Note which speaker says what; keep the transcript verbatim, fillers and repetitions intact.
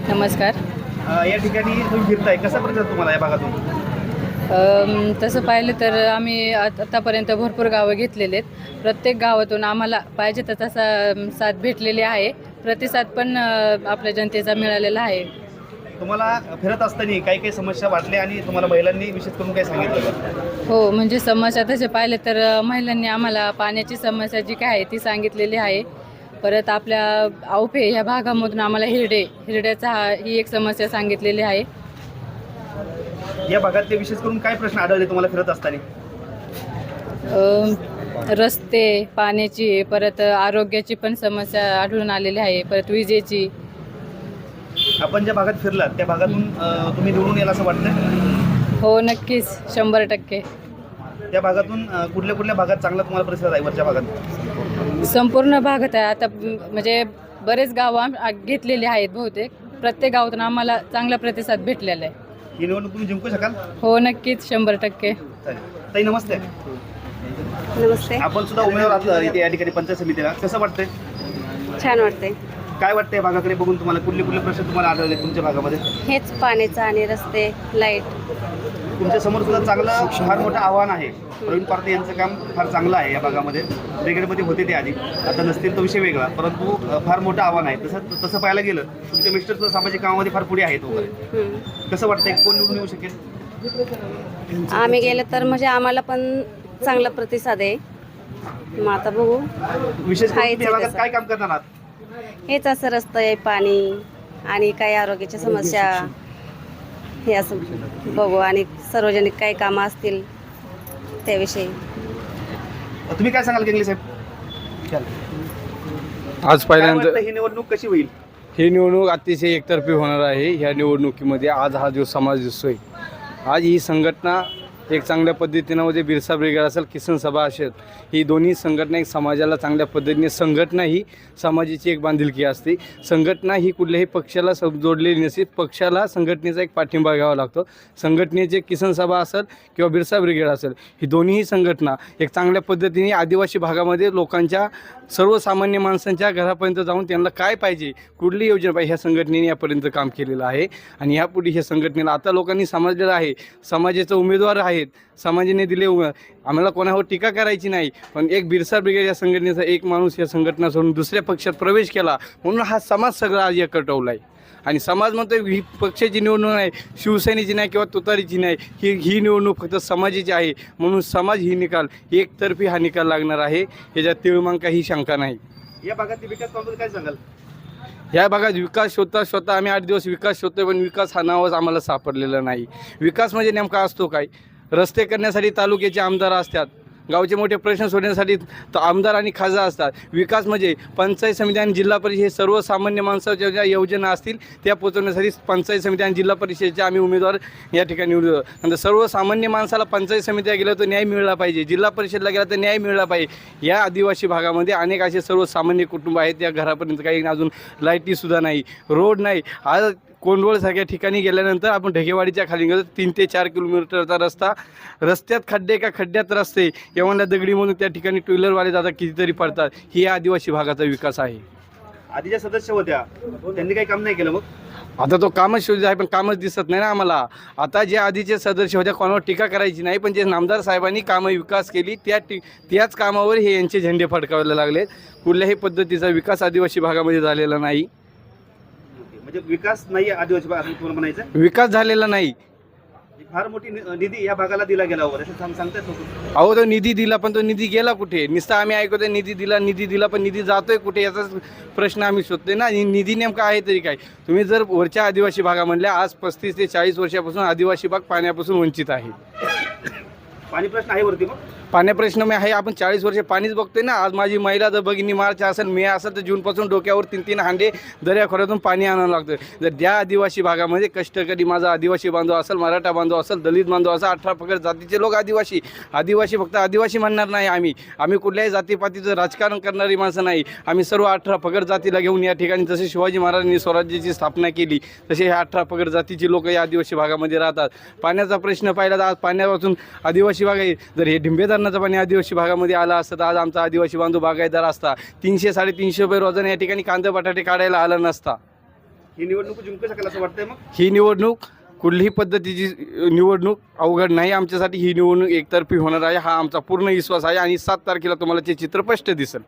Speaker 1: नमस्कार.
Speaker 2: अ, या ठिकाणी तुम्ही फिरताय, कसा प्रतिसाद तुम्हाला या भागातून?
Speaker 1: अम, तसं पाहिलं तर आम्ही आत आतापर्यंत भरपूर गावं घेतलेले आहेत. प्रत्येक गावातून आम्हाला पाहिजे तर तसा अम, साथ भेटलेली आहे. प्रतिसाद पण अ, आपल्या जनतेचा मिळालेला आहे.
Speaker 2: तुम्हाला फिरत असताना काही काही समस्या वाटल्या आणि तुम्हाला महिलांनी विशेष करून काय सांगितलं का?
Speaker 1: हो, म्हणजे समस्या तसे पाहिले तर अ, महिलांनी आम्हाला पाण्याची समस्या जी काय आहे ती सांगितलेली आहे. परत आपल्या आवफे ह्या भागामधून आम्हाला हिरडे हिरड्याचा हा ही एक समस्या सांगितलेली आहे.
Speaker 2: या भागातले विशेष करून काय प्रश्न आढळले तुम्हाला फिरत असताना?
Speaker 1: अ, रस्ते, पाण्याची, परत आरोग्याची पण समस्या आढळून आलेली आहे. परत विजेची.
Speaker 2: आपण ज्या भागात फिरलात त्या भागातून अ, तुम्ही निवडून याल असं वाटतं?
Speaker 1: हो, नक्कीच शंभर टक्के.
Speaker 2: त्या भागातून अ, कुठल्या कुठल्या भागात चांगला तुम्हाला प्रतिसाद आहे वरच्या भागात?
Speaker 1: संपूर्ण भागात आहे. आता म- म्हणजे बरेच गावं आम- आ- घेतलेली आहेत बहुतेक. प्रत्येक गावातून आम्हाला चांगला प्रतिसाद भेटलेला आहे.
Speaker 2: ही निवडणूक तुम्ही जिंकू शकाल?
Speaker 1: हो, नक्कीच शंभर टक्के.
Speaker 2: चालेल. ताई नमस्ते.
Speaker 3: नमस्ते.
Speaker 2: आपण सुद्धा उमेदवार आहात इथे या ठिकाणी पंचायत समितीला, कसं वाटतंय?
Speaker 3: छान वाटते.
Speaker 2: काय वाटतंय भागाकडे बघून तुम्हाला? कुठले कुठले प्रश्न तुम्हाला आढळले तुमच्या भागामध्ये?
Speaker 3: हेच पाण्याचं आणि रस्ते, लाईट.
Speaker 2: तुमच्या समोर सुद्धा चांगलं फार मोठं आव्हान आहे. प्रवीण पारधी यांचं काम फार चांगलं आहे या भागामध्ये. ब्रिगेडमध्ये होते ते आधी, आता नसतील तो विषय वेगळा, परंतु अ, फार मोठं आव्हान आहे. तसं तसं पाहायला गेलं तुमचे मिस्टर सुद्धा सामाजिक कामामध्ये फार पुढे आहेत वगैरे.
Speaker 3: हम्म.
Speaker 2: कसं वाटतंय कोण निवडून येऊ शकेल?
Speaker 3: आम्ही गेलं तर म्हणजे आम्हाला पण चांगला प्रतिसाद आहे. मग आता बघू.
Speaker 2: विशेष करून
Speaker 3: आहेच
Speaker 2: तुम्ही या भागात
Speaker 3: तसं.
Speaker 2: काय काम करणार आहात?
Speaker 3: हेच असं रस्ते आहे, पाणी आणि काही आरोग्याच्या समस्या हे असं बघू. आणि सार्वजनिक काही कामं असतील त्याविषयी.
Speaker 2: तुम्ही काय सांगाल गेंगले साहेब?
Speaker 4: आज
Speaker 2: काय
Speaker 4: पहिल्यांदा
Speaker 2: वाटतं ही निवडणूक कशी होईल?
Speaker 4: ही निवडणूक अतिशय एकतर्फी होणार आहे. ह्या निवडणुकीमध्ये आज हा जो समाज दिसतोय, आज ही संघटना एक चांगल्या पद्धतीनं म्हणजे बिरसा ब्रिगेड असेल, किसन सभा असेल, ही दोन्ही संघटना एक समाजाला चांगल्या पद्धतीने, संघटना ही समाजाची एक बांधिलकी असते. संघटना ही कुठल्याही पक्षाला सं जोडलेली नसते. पक्षाला संघटनेचा एक पाठिंबा घ्यावा लागतो. संघटनेचे किसन सभा असेल किंवा बिरसा ब्रिगेड असेल, ही दोन्ही संघटना एक चांगल्या पद्धतीने आदिवासी भागामध्ये लोकांच्या, सर्वसामान्य माणसांच्या घरापर्यंत जाऊन त्यांना काय पाहिजे, कुठली योजना पाहिजे, ह्या संघटनेने यापर्यंत काम केलेलं आहे. आणि ह्यापुढे ह्या संघटनेला आता लोकांनी समजलेलं आहे, समाजाचा उमेदवार आहेत, समाजाने दिले उमे आम्हाला कोणावर टीका करायची नाही. पण एक बिरसा ब्रिगेड या संघटनेचा एक माणूस या संघटना सोडून दुसऱ्या पक्षात प्रवेश केला, म्हणून हा समाज सगळा आज एकटवला आहे. आणि समाज म्हणतो ही पक्षाची निवडणूक नाही, शिवसेनेची नाही किंवा तुतारीची नाही, ही ही निवडणूक फक्त समाजाची आहे. म्हणून समाज ही निकाल एकतर्फी हा निकाल लागणार आहे, ह्याच्यात तिळमांग काही शंका नाही.
Speaker 2: या भागातील विकास कामाबद्दल काय सांगाल?
Speaker 4: ह्या भागात विकास शोधता शोधता आम्ही आठ दिवस विकास शोधतोय, पण विकास हा नावच आम्हाला सापडलेला नाही. विकास म्हणजे नेमका असतो काय? रस्ते करण्यासाठी तालुक्याचे आमदार असतात, गावचे मोठे प्रश्न सोडण्यासाठी तर आमदार आणि खासदार असतात. विकास म्हणजे पंचायत समिती आणि जिल्हा परिषद हे सर्वसामान्य माणसाच्या ज्या योजना असतील त्या पोचवण्यासाठी पंचायत समिती आणि जिल्हा परिषदेचे आम्ही उमेदवार या ठिकाणी निवडतो. नंतर सर्वसामान्य माणसाला पंचायत समितीला गेलं तर न्याय मिळाला पाहिजे, जिल्हा परिषदला गेला तर न्याय मिळाला पाहिजे. या आदिवासी भागामध्ये अनेक असे सर्वसामान्य कुटुंब आहेत, त्या घरापर्यंत काही अजून लाईटीसुद्धा नाही, रोड नाही. आज कोंडवळसारख्या ठिकाणी गेल्यानंतर आपण ढगेवाडीच्या खाली गेलो, तीन ते चार किलोमीटरचा रस्ता, रस्त्यात खड्डे का खड्ड्यात रस्ते, एवढ्या दगडीमधून त्या ठिकाणी टू व्हीलरवाले जातात, कितीतरी पडतात. ही या आदिवासी भागाचा विकास आहे.
Speaker 2: आधीच्या सदस्य होत्या, त्यांनी काही काम नाही केलं मग?
Speaker 4: आता तो कामच शोध आहे, पण कामच दिसत नाही ना आम्हाला. आता जे आधीचे सदस्य होत्या कोणावर टीका करायची नाही, पण जे नामदार साहेबांनी कामं विकास केली त्या टी त्याच कामावर हे यांचे झेंडे फडकावायला लागले. कुठल्याही पद्धतीचा विकास आदिवासी भागामध्ये झालेला नाही.
Speaker 2: म्हणजे विकास नाही आदिवासी भागात तुम्हाला म्हणायचं?
Speaker 4: विकास झालेला नाही.
Speaker 2: फार मोठी नि- निधी या भागाला दिला गेला वगैरे असं सांग सांगतात लोक.
Speaker 4: अहो, तो निधी दिला, पण तो निधी गेला कुठे? नुसता आम्ही ऐकतोय निधी दिला निधी दिला, पण निधी जातोय कुठे याचाच प्रश्न आम्ही शोधतोय ना. निधी नेमका आहे तरी काय? तुम्ही जर वरच्या आदिवासी भागामधल्या आज पस्तीस ते चाळीस वर्षापासून आदिवासी भाग पाण्यापासून वंचित आहे.
Speaker 2: पाणी प्रश्न आहे वरती मग?
Speaker 4: पाण्या प्रश्न मी आहे, आपण चाळीस वर्ष पाणीच बघतोय ना. आज माझी महिला जर भगिनी मार्च असेल, मे असेल तर जूनपासून डोक्यावर तीन तीन हांडे दर्याखोऱ्यातून पाणी आणावं लागतं. जर त्या आदिवासी भागामध्ये कष्टकरी माझा आदिवासी बांधव असेल, मराठा बांधव असेल, दलित बांधव असेल, अठरा पगड जातीचे लोक आदिवासी आदिवासी फक्त आदिवासी म्हणणार नाही आम्ही. आम्ही कुठल्याही जातीपातीचं राजकारण करणारी माणसं नाही. आम्ही सर्व अठरा पगड जातीला घेऊन या ठिकाणी जसे शिवाजी महाराजांनी स्वराज्याची स्थापना केली, तसे ह्या अठरा पगड जातीची लोक या आदिवासी भागामध्ये राहतात. पाण्याचा प्रश्न पाहिला तर आज पाण्यापासून आदिवासी भाग आहे. जर हे डिंबे धरणाचं पाणी आदिवासी भागामध्ये आला असतं तर आज आमचा आदिवासी बांधव बागायतदार असता, तीनशे साडेतीनशे रुपये रोजाने या ठिकाणी कांदे बटाटे काढायला आला नसता.
Speaker 2: ही निवडणूक जिंकू शकेल असं वाटतंय मग?
Speaker 4: ही निवडणूक कुठलीही पद्धतीची निवडणूक अवघड नाही आमच्यासाठी. ही निवडणूक एकतर्फी होणार आहे हा आमचा पूर्ण विश्वास आहे आणि सात तारखेला तुम्हाला ते चित्र स्पष्ट दिसेल.